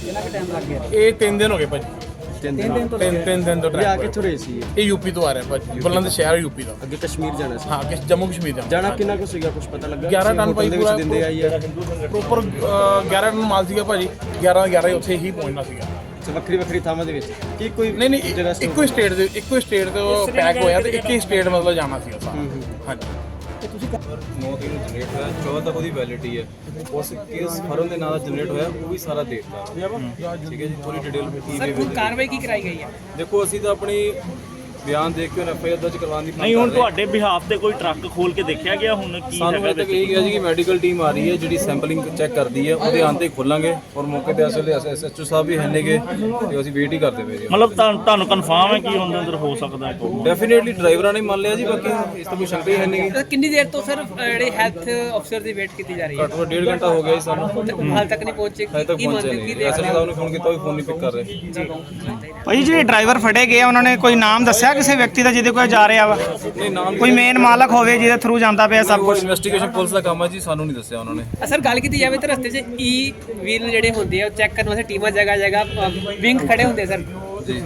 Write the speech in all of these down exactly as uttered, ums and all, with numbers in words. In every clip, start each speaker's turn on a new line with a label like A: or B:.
A: ਕਿੰਨਾ ਕੁ ਟਾਈਮ ਲੱਗ ਗਿਆ?
B: ਇਹ ਤਿੰਨ ਦਿਨ ਹੋ ਗਏ ਭਾਜੀ।
A: ਤਿੰਨ ਦਿਨ ਤੋਂ
B: ਤਿੰਨ ਤਿੰਨ ਦਿਨ ਤੋਂ
A: ਆ
B: ਟਰੈਕ
A: ਕਿੱਥੋਂ ਰਹੇ ਸੀ?
B: ਇਹ ਯੂਪੀ ਤੋਂ ਆ ਰਿਹਾ ਭਾਜੀ, ਬੁਲੰਦ ਸ਼ਹਿਰ ਯੂਪੀ ਦਾ।
A: ਅੱਗੇ ਕਸ਼ਮੀਰ ਜਾਣਾ ਸੀ?
B: ਹਾਂ, ਕਿ ਜੰਮੂ ਕਸ਼ਮੀਰ ਜਾਣਾ।
A: ਜਾਣਾ ਕਿੰਨਾ ਕੁ ਸੀਗਾ, ਕੁਝ ਪਤਾ ਲੱਗਾ?
B: ਗਿਆਰਾਂ ਟਨ ਭਾਈ ਪੂਰਾ
A: ਦਿੰਦੇ ਆਈ ਹੈ
B: ਪ੍ਰੋਪਰ ਗਿਆਰਾਂ ਟਨ ਮਾਲ ਸੀਗਾ ਭਾਜੀ। ਗਿਆਰਾਂ ਗਿਆਰਾਂ ਹੀ ਉੱਥੇ ਹੀ ਪਹੁੰਚਣਾ ਸੀਗਾ।
A: ਵੱਖਰੀ ਵੱਖਰੀ ਥਾਵਾਂ ਦੇ ਵਿੱਚ ਕੀ ਕੋਈ
B: ਨਹੀਂ ਨਹੀਂ,
A: ਜਗ੍ਹਾ
B: ਇੱਕੋ ਹੀ ਸਟੇਟ ਦੇ ਇੱਕੋ ਹੀ ਸਟੇਟ ਤੋਂ ਪੈਕ ਹੋਇਆ ਤੇ ਇੱਕ ਹੀ ਸਟੇਟ ਮਤਲਬ ਜਾਣਾ ਸੀਗਾ ਸਾਰਾ। ਹਾਂਜੀ।
C: ਨੌ ਤਰੀਕ ਨੂੰ ਜਨਰੇਟ ਹੋਇਆ, ਚੌਦਾਂ ਤੱਕ ਉਹਦੀ ਵੈਲਿਡਿਟੀ ਹੈ। ਉਸ ਕੇਸ ਫਰਮ ਦੇ ਨਾਲ ਜਨਰੇਟ ਹੋਇਆ ਉਹ ਵੀ ਸਾਰਾ ਦੇਖਦਾ। ਠੀਕ ਹੈ ਜੀ, ਪੂਰੀ ਡਿਟੇਲ ਕੀ
D: ਸਰ ਹੁਣ ਕਾਰਵਾਈ ਕੀ ਕਰਾਈ ਗਈ ਹੈ?
C: ਦੇਖੋ ਅਸੀਂ ਤਾਂ ਆਪਣੀ ਬਿਆਨ ਦੇਖ ਕੇ ਐਫ ਆਈ ਆਰ ਦਰਜ ਕਰਵਾਉਣ ਦੀ
E: ਨਹੀਂ ਹੁਣ ਤੁਹਾਡੇ ਬਿਹਾਫ ਤੇ ਕੋਈ ਟਰੱਕ ਖੋਲ ਕੇ ਦੇਖਿਆ ਗਿਆ ਹੁਣ ਕੀ
C: ਸਾਨੂੰ
E: ਹੈਗਾ
C: ਇਹ ਤੱਕ ਇਹ ਗਿਆ ਜੀ ਕਿ ਮੈਡੀਕਲ ਟੀਮ ਆ ਰਹੀ ਹੈ ਜਿਹੜੀ ਸੈਂਪਲਿੰਗ ਚੈੱਕ ਕਰਦੀ ਹੈ, ਉਹਦੇ ਆਉਣ ਤੇ ਖੋਲਾਂਗੇ। ਔਰ ਮੌਕੇ ਤੇ ਅਸਲ ਐਸ ਐਚ ਓ ਸਾਹਿਬ ਵੀ ਹੈ ਨੇਗੇ ਤੇ ਅਸੀਂ ਵੇਟ ਹੀ ਕਰਦੇ ਪਏ ਜੀ।
E: ਮਤਲਬ ਤੁਹਾਨੂੰ ਤੁਹਾਨੂੰ ਕਨਫਰਮ ਹੈ ਕਿ ਉਹਦੇ ਅੰਦਰ ਹੋ ਸਕਦਾ ਹੈ ਕੋਈ?
C: ਡੈਫੀਨੇਟਲੀ ਡਰਾਈਵਰਾਂ ਨੇ ਮੰਨ ਲਿਆ ਜੀ, ਬਾਕੀ ਇਸ ਤੋਂ ਕੋਈ ਸ਼ੰਕਾ ਹੀ ਹੈ ਨਹੀਂ।
D: ਸਰ ਕਿੰਨੀ ਦੇਰ ਤੋਂ ਸਰ ਜਿਹੜੇ ਹੈਲਥ ਅਫਸਰ ਦੀ ਵੇਟ ਕੀਤੀ ਜਾ ਰਹੀ ਹੈ?
C: ਘੱਟੋ ਘੱਟ ਡੇਢ ਘੰਟਾ ਹੋ ਗਿਆ ਜੀ ਸਾਨੂੰ,
D: ਹਾਲ ਤੱਕ ਨਹੀਂ ਪਹੁੰਚੇ?
C: ਹਜੇ ਤੱਕ
D: ਕੀ
C: ਪਹੁੰਚਿਆ
D: ਮੰਨਦੇ
C: ਨਹੀਂ।
D: ਕੀ
C: ਐਸ ਐਚ ਓ ਸਾਹਿਬ ਨੂੰ ਫੋਨ ਕੀਤਾ ਉਹ ਵੀ ਫੋਨ ਨਹੀਂ ਪਿਕ ਕਰ ਰਹੇ।
F: ਭਾਈ ਜਿਹੜੇ ਡਰਾਈਵਰ ਫੜੇ ਗਏ ਉਹਨਾਂ ਨੇ ਕੋਈ ਨਾਮ ਦੱਸਿਆ ਕਿਸੇ ਵਿਅਕਤੀ ਦਾ ਜਿਹਦੇ ਕੋਲ ਜਾ ਰਿਹਾ ਵਾ?
C: ਨਹੀਂ, ਨਾਮ
F: ਕੋਈ ਮੇਨ ਮਾਲਕ ਹੋਵੇ ਜਿਹਦੇ ਥਰੂ ਜਾਂਦਾ ਪਿਆ ਸਭ ਕੁਝ?
C: ਇਨਵੈਸਟੀਗੇਸ਼ਨ ਪੁਲਿਸ ਦਾ ਕੰਮ ਹੈ ਜੀ, ਸਾਨੂੰ ਨਹੀਂ ਦੱਸਿਆ ਉਹਨਾਂ ਨੇ।
D: ਸਰ ਗੱਲ ਕੀਤੀ ਜਾਵੇ ਤਾਂ ਰਸਤੇ 'ਚ ਈ ਵੀਲ ਜਿਹੜੇ ਹੁੰਦੇ ਆ ਉਹ ਚੈੱਕ ਕਰਨ ਵਾਸਤੇ ਟੀਮਾਂ ਜਗ੍ਹਾ ਜਗ੍ਹਾ ਵਿੰਗ ਖੜੇ ਹੁੰਦੇ ਸਰ,
C: ਜੀ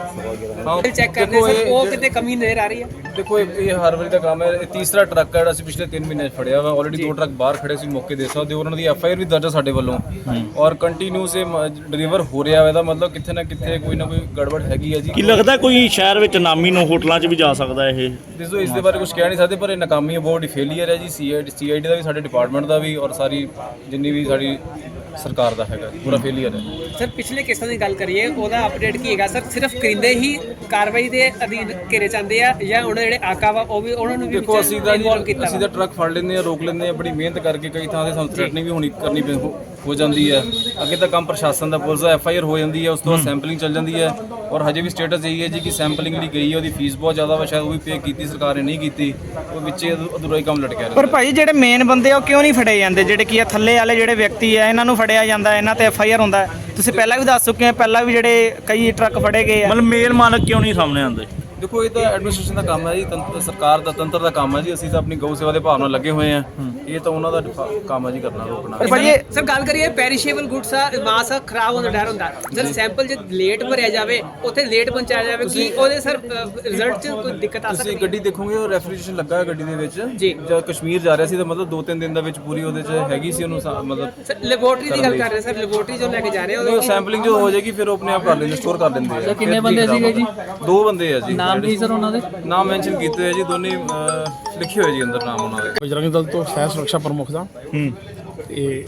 C: ਹਾਂ,
D: ਚੈੱਕ ਕਰਦੇ
C: ਦੇਖੋ
D: ਸਰ,
C: ਇਹ-
D: ਉਹ ਕਿਤੇ ਕਮੀ ਨਜ਼ਰ ਆ ਰਹੀ ਹੈ?
C: ਦੇਖੋ ਇਹ ਇਹ ਹਰ ਵਾਰੀ ਦਾ ਕੰਮ ਹੈ। ਇਹ ਤੀਸਰਾ ਟਰੱਕ ਹੈ ਜਿਹੜਾ ਅਸੀਂ ਪਿਛਲੇ ਤਿੰਨ ਮਹੀਨੇ 'ਚ ਫੜਿਆ ਵਾ। ਆਲਰੇਡੀ ਦੋ ਟਰੱਕ ਬਾਹਰ ਖੜੇ ਸੀ, ਮੌਕੇ ਦੇ ਸਕਦੇ ਹੋ। ਉਹਨਾਂ ਦੀ ਐਫ ਆਈ ਆਰ ਵੀ ਦਰਜ ਹੈ ਸਾਡੇ ਵੱਲੋਂ ਔਰ ਕੰਟੀਨਿਊਸ ਇਹ ਡਿਲੀਵਰ ਹੋ ਰਿਹਾ ਵਾ। ਇਹਦਾ ਮਤਲਬ ਕਿੱਥੇ ਨਾ ਕਿੱਥੇ ਕੋਈ ਨਾ ਕੋਈ ਗੜਬੜ ਹੈਗੀ ਹੈ ਜੀ।
E: ਕੀ ਲੱਗਦਾ ਕੋਈ ਸ਼ਹਿਰ ਵਿੱਚ ਨਾਮੀ ਨੂੰ ਹੋਟਲਾਂ 'ਚ ਵੀ ਜਾ ਸਕਦਾ ਇਹ?
C: ਜਿਸੋ ਇਸ ਦੇ ਬਾਰੇ ਕੁਝ ਕਹਿ ਨਹੀਂ ਸਕਦੇ, ਪਰ ਇਹ ਨਾਕਾਮੀ ਹੈ, ਬਹੁਤ ਹੀ ਫੇਲੀਅਰ ਹੈ ਜੀ। ਸੀ I D C I D ਦਾ ਵੀ, ਸਾਡੇ ਡਿਪਾਰਟਮੈਂਟ ਦਾ ਵੀ, ਔਰ ਸਾਰੀ ਜਿੰਨੀ ਵੀ ਸਾਡੀ ਸਰਕਾਰ ਦਾ ਹੈਗਾ, ਪੂਰਾ ਫੇਲੀਅਰ ਹੈ।
D: ਸਰ ਪਿਛਲੇ ਕੇਸਾਂ ਦੀ ਗੱਲ ਕਰੀਏ, ਉਹਦਾ ਅਪਡੇਟ ਕੀ ਹੈਗਾ ਸਰ? ਸਿਰਫ ਕਰਿੰਦੇ ਹੀ ਕਾਰਵਾਈ ਦੇ ਅਧੀਨ ਘੇਰੇ ਜਾਂਦੇ ਆ ਜਾਂ ਉਹਨਾਂ ਜਿਹੜੇ ਆਕਾ ਵਾ ਉਹ ਵੀ ਉਹਨਾਂ ਨੂੰ ਵੀ
C: ਦੇਖੋ ਅਸੀਂ ਤਾਂ
D: ਇਨਵੋਲਵ
C: ਜੀ
D: ਕੀਤਾ
C: ਅਸੀਂ ਤਾਂ ਟਰੱਕ ਫੜ ਲੈਂਦੇ ਆ, ਰੋਕ ਲੈਂਦੇ ਆ, ਬੜੀ ਮਿਹਨਤ ਕਰਕੇ। ਕਈ ਥਾਂ ਤੇ ਸਾਨੂੰ ਥ੍ਰੈਟਨਿੰਗ ਵੀ ਹੋਣੀ ਕਰਨੀ ਪੈ ਹੋ- ਹੋ ਜਾਂਦੀ ਹੈ। ਅੱਗੇ ਤਾਂ ਕੰਮ ਪ੍ਰਸ਼ਾਸਨ ਦਾ, ਪੁਲਿਸ ਦਾ, ਐਫ ਆਈ ਆਰ ਹੋ ਜਾਂਦੀ ਹੈ, ਉਸ ਤੋਂ ਬਾਅਦ ਸੈਂਪਲਿੰਗ ਚੱਲ ਜਾਂਦੀ ਹੈ। ਔਰ ਹਜੇ ਵੀ ਸਟੇਟਸ ਇਹੀ ਹੈ ਜੀ ਕਿ ਸੈਂਪਲਿੰਗ ਜਿਹੜੀ ਗਈ ਹੈ ਉਹਦੀ ਫੀਸ ਬਹੁਤ ਜ਼ਿਆਦਾ ਵਾ, ਸ਼ਾਇਦ ਉਹ ਵੀ ਪੇ ਕੀਤੀ ਸਰਕਾਰ ਨੇ, ਨਹੀਂ ਕੀਤੀ। ਉਹ ਵਿੱਚੇ ਅਧੂਰਾ ਹੀ ਕੰਮ ਲਟਕਿਆ ਰਹਿੰਦਾ।
F: ਪਰ ਭਾਈ ਜਿਹੜੇ ਮੇਨ ਬੰਦੇ ਆ ਉਹ ਕਿਉਂ ਨਹੀਂ ਫੜੇ ਜਾਂਦੇ? ਜਿਹੜੇ ਕੀ ਆ ਥੱਲੇ ਵਾਲੇ ਜਿਹੜੇ ਵਿਅਕਤੀ ਆ ਇਹਨਾਂ ਨੂੰ ਫੜਿਆ ਜਾਂਦਾ, ਇਹਨਾਂ ਤੇ ਐਫ ਆਈ ਆਰ ਹੁੰਦਾ ਹੈ। ਤੁਸੀਂ ਪਹਿਲਾਂ ਵੀ ਦੱਸ ਚੁੱਕੇ ਆ, ਪਹਿਲਾਂ ਵੀ ਜਿਹੜੇ ਕਈ ਟਰੱਕ ਫੜੇ ਗਏ ਆ।
E: ਮਤਲਬ ਮੇਲ ਮਾਲਕ ਕਿਉਂ ਨਹੀਂ ਸਾਹਮਣੇ ਆਉਂਦੇ?
C: ਦੇਖੋ ਇਹ ਤਾਂ ਐਡਮਿਨਿਸਟ੍ਰੇਸ਼ਨ ਦਾ ਕੰਮ ਹੈ ਜੀ, ਤੰਤਰ ਸਰਕਾਰ ਦਾ, ਤੰਤਰ ਦਾ ਕੰਮ ਹੈ ਜੀ। ਅਸੀਂ ਤਾਂ ਆਪਣੀ ਗਊ ਸੇਵਾ ਦੇ ਭਾਵ ਨਾਲ ਲੱਗੇ ਹੋਏ ਆ। ਇਹ ਤਾਂ ਉਹਨਾਂ ਦਾ ਡਿਫਾ- ਕੰਮ ਹੈ ਜੀ, ਕਰਨਾ, ਰੋਕਣਾ।
F: ਪਰ ਭਾਈ ਇਹ
D: ਸਰ ਗੱਲ ਕਰੀਏ ਪੈਰੀਸ਼ੇਬਲ ਗੁੱਡਸ ਆ, ਮਾਸ ਆ, ਖਰਾਬ ਹੋਣ ਦਾ ਡਰ ਹੁੰਦਾ। ਸਰ ਸੈਂਪਲ ਜੇ ਲੇਟ ਭਰਿਆ ਜਾਵੇ, ਉੱਥੇ ਲੇਟ ਪਹੁੰਚਾਇਆ ਜਾਵੇ, ਕੀ ਉਹਦੇ ਸਰ ਰਿਜ਼ਲਟ 'ਚ ਕੋਈ ਦਿੱਕਤ ਆ
C: ਤੁਸੀਂ
D: ਸਕਦੀ?
C: ਗੱਡੀ ਦੇਖੋਗੇ ਉਹ ਰੈਫ੍ਰਿਜਰੇਸ਼ਨ ਲੱਗਾ ਹੈ ਗੱਡੀ ਦੇ ਵਿੱਚ।
D: ਜੀ।
C: ਜਦ ਕਸ਼ਮੀਰ ਜਾ ਰਿਹਾ ਸੀ ਤਾਂ ਮਤਲਬ ਦੋ ਤਿੰਨ ਦਿਨ ਦਾ ਵਿੱਚ ਪੂਰੀ ਉਹਦੇ 'ਚ ਹੈਗੀ ਸੀ ਉਹਨੂੰ ਸਾ- ਮਤਲਬ
D: ਸਰ ਲੈਬੋਰਟਰੀ ਦੀ ਗੱਲ ਕਰ ਰਹੇ ਸਰ, ਲੈਬੋਰਟਰੀ ਜੋ ਲੈ ਕੇ ਜਾ ਰਹੇ
C: ਉਹ ਸੈਂਪਲਿੰਗ ਜੋ ਹੋ ਜਾਏਗੀ ਫਿਰ ਉਹ ਆਪਣੇ ਆਪ ਕਰ ਲੈਂਦੇ, ਸਟੋਰ ਕਰ ਲੈਂਦੇ ਆ। ਕਿੰਨੇ ਬੰਦੇ ਸੀਗੇ ਜੀ? ਦੋ ਬੰਦੇ ਆ ਜੀ। ਨਾਮ ਕੀ ਸਰ ਉਹਨਾਂ ਦੇ? ਨਾਮ ਮੈਂਸ਼ਨ ਕੀਤੇ ਹੋਏ ਜੀ, ਦੋਨੇ ਅਹ, ਲਿਖੇ ਹੋਏ ਜੀ ਅੰਦਰ ਨਾਮ ਉਹਨਾਂ ਦੇ।
B: ਬਜਰੰਗ ਦਲ ਤੋਂ ਸਹਿ ਸੁਰੱਖਿਆ ਪ੍ਰਮੁੱਖ ਦਾ।
E: ਹੂੰ
B: ਇਹ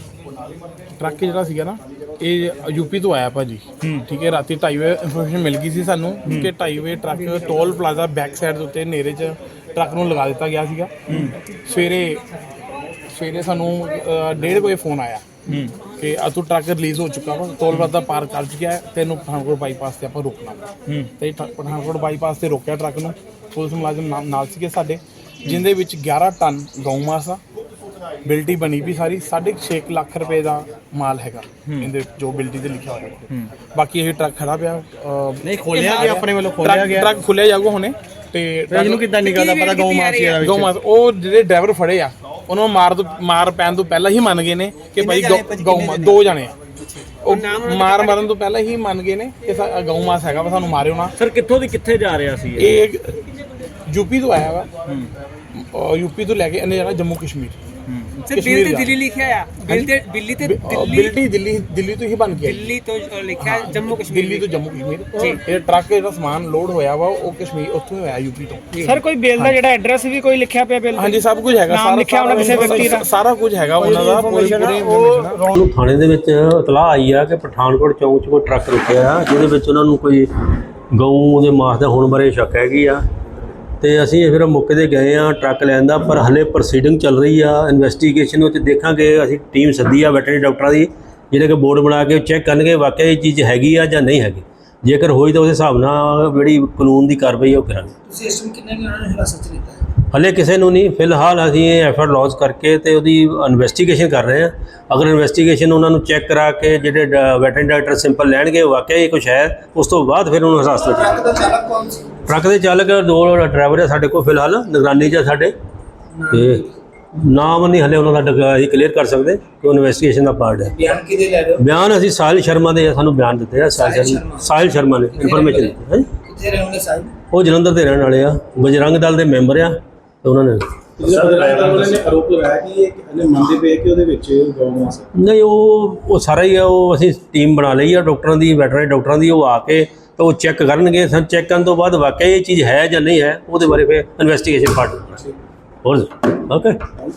B: ਟਰੱਕ ਜਿਹੜਾ ਸੀਗਾ ਨਾ, ਇਹ ਯੂਪੀ ਤੋਂ ਆਇਆ ਭਾਜੀ। ਠੀਕ ਹੈ, ਰਾਤੀ ਢਾਈ ਵਜੇ ਇਨਫੋਰਮੇਸ਼ਨ ਮਿਲ ਗਈ ਸੀ ਸਾਨੂੰ ਕਿ ਢਾਈ ਵਜੇ truck toll plaza back side ਦੇ ਉੱਤੇ ਨੇਰੇ 'ਚ ਟਰੱਕ ਨੂੰ ਲਗਾ ਦਿੱਤਾ ਗਿਆ ਸੀਗਾ। ਸਵੇਰੇ ਸਵੇਰੇ ਸਾਨੂੰ ਅ, ਡੇਢ ਵਜੇ ਫੋਨ ਆਇਆ ਕਿ ਆ ਤੂੰ ਟਰੱਕ ਰਿਲੀਜ਼ ਹੋ ਚੁੱਕਾ ਵਾ, ਟੋਲ ਪਲਾਜ਼ਾ ਪਾਰ ਕਰ ਚੁੱਕਿਆ ਹੈ, ਤੈਨੂੰ ਪਠਾਨਕੋਟ ਬਾਈਪਾਸ ਤੇ ਆਪਾਂ ਰੋਕਣਾ ਵਾ। ਤੇ ਟ- ਪਠਾਨਕੋਟ ਬਾਈਪਾਸ ਤੇ ਰੋਕਿਆ ਟਰੱਕ ਨੂੰ। ਪੁਲਿਸ ਮੁਲਾਜ਼ਮ ਨਾਲ- ਨਾਲ ਸੀਗੇ ਸਾਡੇ, ਜਿੰਦੇ ਵਿੱਚ ਗਿਆਰਾਂ ਟਨ ਗਊ ਮਾਸ ਆ, ਬਿਲਟੀ ਬਣੀ ਵੀ ਸਾਰੀ। ਸਾਢੇ ਛੇ ਕੁ ਲੱਖ ਰੁਪਏ ਦਾ ਮਾਲ ਹੈਗਾ ਇਹਦੇ, ਜੋ ਬਿਲਟੀ ਤੇ ਲਿਖਿਆ ਹੋਇਆ। ਬਾਕੀ ਇਹ ਟਰੱਕ ਖੜਾ ਪਿਆ।
A: ਨਹੀਂ ਖੋਲਿਆ ਗਿਆ, ਆਪਣੇ ਵੱਲੋਂ ਖੋਲਿਆ ਗਿਆ।
B: ਟਰੱਕ ਖੁੱਲਿਆ ਜਾਊਗਾ ਹੁਣੇ। ਤੇ
A: ਇਹਨੂੰ ਕਿੱਦਾਂ ਨਿਕਲਦਾ ਪਤਾ ਗਊ ਮਾਸ ਇਹਦਾ
B: ਗਊ ਮਾਸ ਉਹ ਜਿਹੜੇ ਡਰਾਈਵਰ ਫੜੇ ਆ, ਉਹਨਾਂ ਨੂੰ ਮਾਰ ਤੋਂ ਮਾਰ ਪੈਣ ਤੋਂ ਪਹਿਲਾਂ ਹੀ ਮੰਨ ਗਏ ਨੇ ਕਿ ਭਾਈ ਗਊ- ਗਊ ਮਾਸ ਦੋ ਜਣੇ ਆ। ਉਹ ਮਾਰ ਮਰਨ ਤੋਂ ਪਹਿਲਾਂ ਹੀ ਮੰਨ ਗਏ ਨੇ ਕਿ ਸਾ- ਗਊ ਮਾਸ ਹੈਗਾ ਵਾ, ਸਾਨੂੰ ਮਾਰਿਓ ਨਾ।
E: ਸਰ ਕਿੱਥੋਂ ਦੀ ਕਿੱਥੇ ਜਾ ਰਿਹਾ ਸੀ ਇਹ?
B: ਇਹ ਯੂਪੀ ਤੋਂ ਆਇਆ ਵਾ। ਅਹ ਯੂਪੀ ਤੋਂ ਲੈ ਕੇ ਇਹਨੇ ਜਾਣਾ ਜੰਮੂ ਕਸ਼ਮੀਰ।
D: ਸਰ ਬਿੱਲ ਤੇ ਦਿੱਲੀ ਲਿਖਿਆ ਆ, ਬਿੱਲ ਤੇ ਦਿੱਲੀ ਤੇ ਦਿੱਲੀ
B: ਬਿਲਟੀ ਦਿੱਲੀ ਦਿੱਲੀ ਤੋਂ ਹੀ ਬਣ ਕੇ ਆਈ।
D: ਦਿੱਲੀ ਤੋਂ ਅ, ਲਿਖਿਆ ਜੰਮੂ ਕਸ਼ਮੀਰ।
B: ਦਿੱਲੀ ਤੋਂ ਜੰਮੂ ਕਸ਼ਮੀਰ। ਇਹ ਟਰੱਕ ਜਿਹੜਾ ਸਮਾਨ ਲੋਡ ਹੋਇਆ ਵਾ ਉਹ ਕਸ਼ਮੀਰ ਉੱਥੋਂ ਹੀ ਹੋਇਆ, ਯੂਪੀ ਤੋਂ।
F: ਸਰ ਕੋਈ ਬਿੱਲ ਦਾ ਜਿਹੜਾ ਐਡਰੈਸ ਵੀ ਕੋਈ ਲਿਖਿਆ ਪਿਆ ਬਿੱਲ ਤੇ?
B: ਹਾਂਜੀ, ਸਭ ਕੁਝ ਹੈਗਾ।
F: ਨਾਮ ਲਿਖਿਆ ਉਹਨਾਂ ਕਿਸੇ ਵਿਅਕਤੀ ਦਾ?
B: ਸਾਰਾ ਕੁਝ ਹੈਗਾ ਉਹਨਾਂ ਦਾ, ਪੂਰੀ ਪੂਰੀ ਇਨਫੋਰਮੇਸ਼ਨ।
G: ਉਹਨੂੰ ਥਾਣੇ ਦੇ ਵਿੱਚ ਇਤਲਾਹ ਆਈ ਆ ਕਿ ਪਠਾਨਕੋਟ ਚੌਂਕ 'ਚ ਕੋਈ ਟਰੱਕ ਰੁਕਿਆ ਆ, ਜਿਹਦੇ ਵਿੱਚ ਉਹਨਾਂ ਨੂੰ ਕੋਈ ਗਊ ਦੇ ਮਾਸ ਦਾ ਹੋਣ ਬਾਰੇ ਸ਼ੱਕ ਹੈਗੀ ਆ। ਤੇ ਅਸੀਂ ਫਿਰ ਮੌਕੇ 'ਤੇ ਗਏ ਆ ਟਰੱਕ ਲੈਣ ਦਾ, ਪਰ ਹਲੇ ਪ੍ਰੋਸੀਡਿੰਗ ਚੱਲ ਰਹੀ ਆ ਇਨਵੈਸਟੀਗੇਸ਼ਨ ਵਿੱਚ। ਦੇਖਾਂਗੇ, ਅਸੀਂ ਟੀਮ ਸੱਦੀ ਆ ਵੈਟਰਨਰੀ ਡਾਕਟਰਾਂ ਦੀ, ਜਿਹੜੇ ਕਿ ਬੋਰਡ ਬਣਾ ਕੇ ਚੈੱਕ ਕਰਨਗੇ ਵਾਕਿਆ ਇਹ ਚੀਜ਼ ਹੈਗੀ ਆ ਜਾਂ ਨਹੀਂ ਹੈਗੀ। ਜੇਕਰ ਹੋਈ ਤਾਂ ਉਸ ਹਿਸਾਬ ਨਾਲ ਜਿਹੜੀ ਕਾਨੂੰਨ ਦੀ ਕਾਰਵਾਈ ਉਹ ਕਰਾਂਗੇ।
H: ਸਿਸਟਮ ਕਿੰਨੇ ਨੇ ਉਹਨਾਂ ਨੇ ਹਿਰਾਸਤ 'ਚ ਲਿੱਤਾ?
G: ਹਲੇ ਕਿਸੇ ਨੂੰ ਨਹੀਂ, ਫਿਲਹਾਲ ਅਸੀਂ ਇਹ ਐਫਰਟ ਲੌਂਚ ਕਰਕੇ ਤੇ ਉਹਦੀ ਇਨਵੈਸਟੀਗੇਸ਼ਨ ਕਰ ਰਹੇ ਹਾਂ। ਅਗਰ ਇਨਵੈਸਟੀਗੇਸ਼ਨ ਉਹਨਾਂ ਨੂੰ ਚੈੱਕ ਕਰਾ ਕੇ ਜਿਹੜੇ ਵੈਟਰਨਰੀ ਡਾਕਟਰ ਸਿੰਪਲ ਲੈਣਗੇ ਵਾਕਿਆ ਇਹ ਕੁਛ ਹੈ, ਉਸ ਤੋਂ ਬਾਅਦ ਫਿਰ ਉਹਨੂੰ ਹਿਰਾਸਤ ਵਿੱਚ।
H: ਟਰੱਕ ਦਾ ਚਾਲਕ ਕੌਣ ਸੀ?
G: ਟਰੱਕ ਦੇ ਚਾਲਕ ਦੋ ਡਰਾਈਵਰ ਆ ਸਾਡੇ ਕੋਲ ਫਿਲਹਾਲ ਨਿਗਰਾਨੀ 'ਚ ਆ ਸਾਡੇ। ਤੇ ਨਾਮ ਨਹੀਂ ਹਲੇ ਉਹਨਾਂ ਦਾ ਡਕ- ਅਸੀਂ ਕਲੀਅਰ ਕਰ ਸਕਦੇ ਕਿ ਉਹ ਇਨਵੈਸਟੀਗੇਸ਼ਨ ਦਾ ਪਾਰਟ ਹੈ।
H: ਬਿਆਨ ਕਿਹਦੇ ਲੈ ਰਹੇ ਹੋ?
G: ਬਿਆਨ ਅਸੀਂ ਸਾਹਿਲ ਸ਼ਰਮਾ ਦੇ ਸਾਨੂੰ ਬਿਆਨ ਦਿੱਤੇ ਆ। ਸਾਹਿਲ ਸ਼ਰਮਾ ਸਾਹਿਲ ਸ਼ਰਮਾ ਨੇ ਇਨਫੋਰਮੇਸ਼ਨ ਦਿੱਤੀ ਹੈ।
H: ਕਿੱਥੇ ਰਹਿਣ ਵਾਲੇ ਸਾਹਿਬ?
G: ਉਹ ਜਲੰਧਰ ਦੇ ਰਹਿਣ ਵਾਲੇ ਆ, ਬਜਰੰਗ ਦਲ ਦੇ ਮੈਂਬਰ ਆ ਤੇ ਉਹਨਾਂ ਨੇ
I: ਆਰੋਪ ਲਗਾਇਆ ਕਿ ਇਹ ਇਹਨੇ ਮੰਨਦੇ ਪਏ ਕਿ ਉਹਦੇ ਵਿੱਚ ਗਊ ਮਾਸ ਹੈ।
G: ਨਹੀਂ ਉਹ ਉਹ ਸਾਰਾ ਹੀ ਆ, ਉਹ ਅਸੀਂ ਟੀਮ ਬਣਾ ਲਈ ਆ ਡਾਕਟਰਾਂ ਦੀ, ਵੈਟਰਨਰੀ ਡਾਕਟਰਾਂ ਦੀ। ਉਹ ਆ ਕੇ ਤਾਂ ਉਹ ਚੈੱਕ ਕਰਨਗੇ। ਸਾਨੂੰ ਚੈੱਕ ਕਰਨ ਤੋਂ ਬਾਅਦ ਵਾਕਿਆ ਇਹ ਚੀਜ਼ ਹੈ ਜਾਂ ਨਹੀਂ ਹੈ ਉਹਦੇ ਬਾਰੇ ਫਿਰ ਇਨਵੈਸਟੀਗੇਸ਼ਨ ਪਾਰਟ ਹੋਰ ਓਕੇ।